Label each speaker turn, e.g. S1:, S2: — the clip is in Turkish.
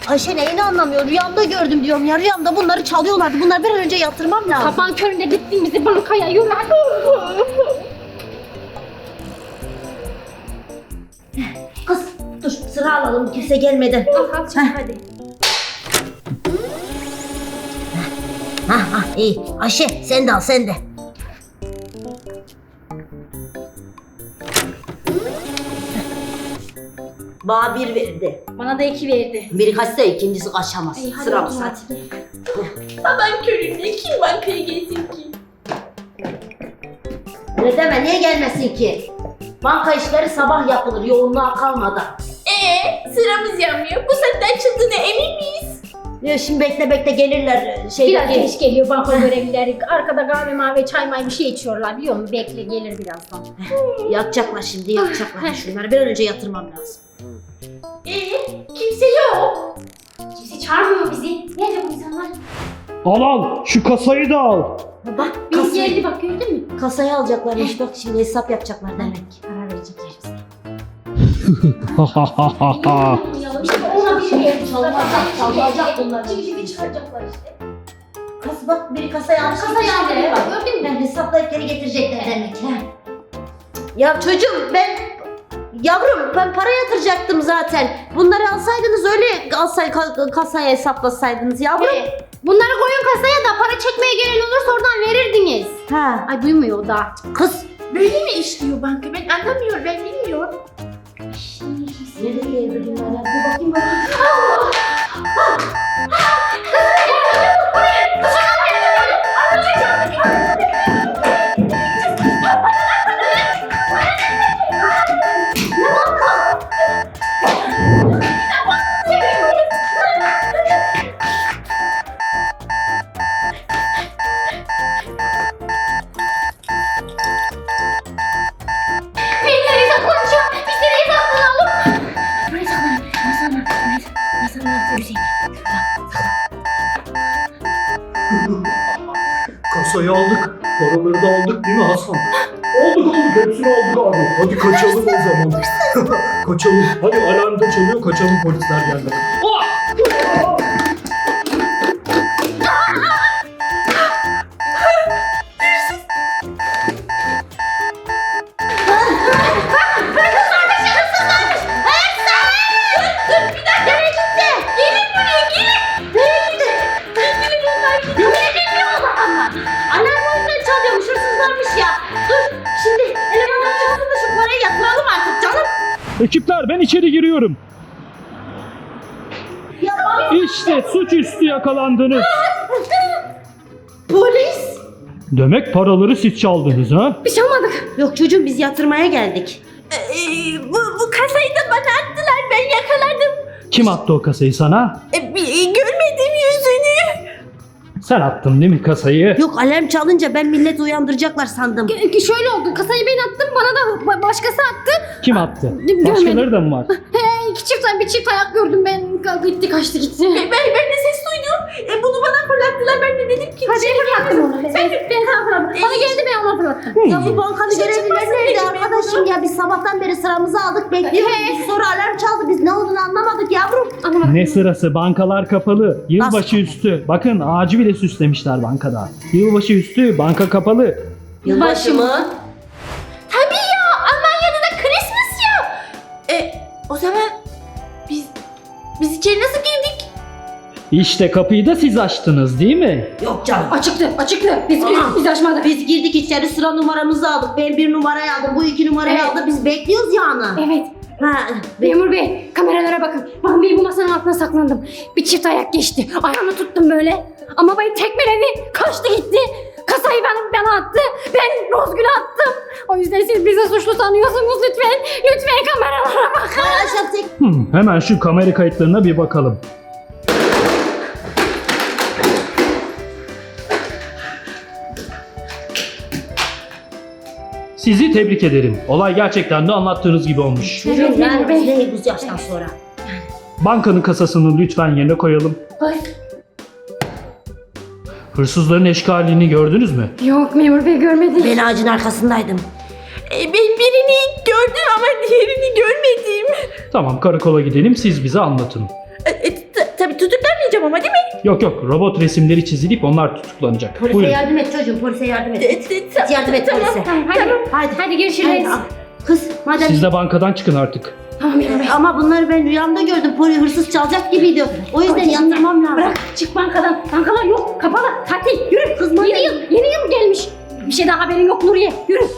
S1: Ayşe neyini anlamıyor? Rüyamda gördüm diyorum ya. Rüyamda bunları çalıyorlardı. Bunları bir an önce yatırmam lazım.
S2: Sabahın köründe gittiğimizi bankaya yürü.
S1: Kız dur sıra alalım kimse gelmeden.
S2: Al çabuk hadi.
S1: İyi. Ayşe sen de al sen de. Bana bir verdi.
S2: Bana da 2 verdi.
S1: Biri kaçsa ikincisi kaçamaz.
S2: İyi, hadi
S1: Sıramız
S2: otur
S1: hadi.
S3: Sabahın köründe kim bankaya gelsin ki?
S1: Ne deme niye gelmesin ki? Banka işleri sabah yapılır yoğunluğa kalmadan.
S3: Sıramız yanmıyor. Bu saatte açıldığına emin miyiz?
S1: Ya şimdi bekle gelirler.
S2: Biraz geç geliyor banka görevlileri. Arkada kahve mavi çay may bir şey içiyorlar biliyor musun? Bekle gelir birazdan.
S1: Yakacaklar şimdi yakacaklar. Şunları bir an önce yatırmam lazım.
S3: Kimse yok.
S2: Kimse çağırmıyor bizi. Nerede bu insanlar?
S4: Al şu kasayı da al.
S1: Bak
S2: Biz geldi bak gördün mü?
S1: kasayı alacaklarmış bak şimdi hesap yapacaklar demek.
S2: Para verecekler bize.
S4: Ha.
S2: İşte ona bir yer
S1: Çalacak bunlar.
S2: Kimi çıkaracaklar işte.
S1: Kas bak biri kasayı almış.
S2: Kasayı aldı, bak, gördün mü?
S1: Yani hesaplayıp geri getirecekler demek. He. Ya çocuğum yavrum ben para yatıracaktım zaten. Bunları alsaydınız öyle kasaya hesaplasaydınız yavrum.
S2: Bunları koyun kasaya da para çekmeye gelen olursa oradan verirdiniz.
S1: Ha.
S2: Ay duymuyor o da.
S1: Kız.
S3: Böyle mi işliyor banka? Ben anlamıyorum. Ben bilmiyorum.
S1: Nereye geldi bunlar ya? Bir bakayım.
S2: Biz nereye saklanacağım? Biz nereye saklanalım? Buraya saklanalım. Masanın Hüseyin.
S4: Kasayı aldık. Paraları da aldık değil mi Hasan? Aldık hepsini aldık abi. Hadi kaçalım o zaman. Kaçalım. Hadi alarm da çalıyor kaçalım polisler geldi.
S1: Alarm oyundan çalıyormuş hırsızlarmış ya. Dur şimdi elemanlar çalsın da şu parayı yatıralım artık canım.
S4: Ekipler ben içeri giriyorum.
S1: Ya
S4: İşte suçüstü yakalandınız.
S1: polis.
S4: Demek paraları siz çaldınız ha?
S2: Bir şey almadık.
S1: Yok çocuğum biz yatırmaya geldik.
S3: Bu kasayı da bana attılar. Ben yakaladım.
S4: Kim attı o kasayı sana?
S3: Görmedim yüzünü.
S4: Sen attın değil mi kasayı?
S1: Yok alarm çalınca ben milleti uyandıracaklar sandım.
S2: Şöyle oldu. Kasayı ben attım. Bana da başkası attı.
S4: Kim attı?
S2: Görmedim.
S4: Başkaları da mı var?
S2: Bir çift ayak gördüm ben. Gitti kaçtı gitti.
S3: Ben de ses duydum. Bunu bana fırlattılar. Ben de dedim ki
S2: Hadi fırlattım onu. Ben sana fırlattım. Bana geldi ben ona fırlattım.
S1: Ya bu bankanın görevlileri nerede arkadaşım ya? Biz sabahtan beri sıramızı aldık bekliyoruz. Biz sonra alarm çaldı. Biz ne olduğunu anlamadık yavrum.
S2: Anlamadım.
S4: Ne sırası? Bankalar kapalı. Yılbaşı
S1: Nasıl?
S4: üstü. Bakın ağacı bile süslemişler bankada. Yılbaşı üstü banka kapalı.
S1: Yılbaşı mı?
S3: tabii ya. Almanya'da da Christmas ya. O zaman biz içeri nasıl girdik?
S4: İşte kapıyı da siz açtınız değil mi?
S1: Yok canım.
S2: Açıktı.
S1: Aa.
S2: Biz açmadık.
S1: Biz girdik içeri sıra numaramızı aldık. Ben 1 numarayı aldım. Bu 2 numarayı
S2: Evet.
S1: aldı. Biz bekliyoruz yani.
S2: Evet.
S1: Ha.
S2: Memur bey kameralara bakın. Ben bir bu masanın altına saklandım. Bir çift ayak geçti. Ayağını tuttum böyle. Ama beni tekmeledi. Kaçtı gitti. Kasayı bana attı. Ben Rozgül'e attım. O yüzden siz bizi suçlu sanıyorsunuz lütfen. Lütfen kameralara bakın.
S1: Arkadaşlar tek
S4: Hemen şu kamera kayıtlarına bir bakalım. Sizi tebrik ederim. Olay gerçekten de anlattığınız gibi olmuş.
S1: çocuğum
S2: Evet,
S1: yani
S2: Memur
S1: biz
S2: Bey.
S1: neyiz bu yaştan sonra?
S4: Bankanın kasasını lütfen yerine koyalım.
S2: Ay.
S4: Hırsızların eşkalini gördünüz mü?
S2: Yok memur bey görmedim.
S1: Ben ağacın arkasındaydım.
S3: Ben birini gördüm ama diğerini görmedim.
S4: Tamam karakola gidelim siz bize anlatın.
S3: Tabii ama değil mi?
S4: Yok yok, robot resimleri çizilip onlar tutuklanacak.
S1: Polise
S4: Buyurun.
S1: yardım et çocuğum, polise yardım et.
S3: Tamam,
S1: Yardım et
S3: tamam.
S1: polise.
S2: Tamam hadi.
S1: Hadi.
S2: Hadi görüşürüz.
S1: Hadi, kız madem
S4: Siz de bankadan çıkın artık.
S2: Tamam memur bey.
S1: ama bunları ben rüyamda gördüm. Hırsız çalacak gibiydi. O yüzden
S2: Hadi,
S1: yatırmam lazım.
S2: Bırak çık bankadan. Bankalar yok kapalı. Tatil yürü.
S1: Kız,
S2: Yeni yıl gelmiş. Bir şey daha haberin yok Nuriye. Yürü.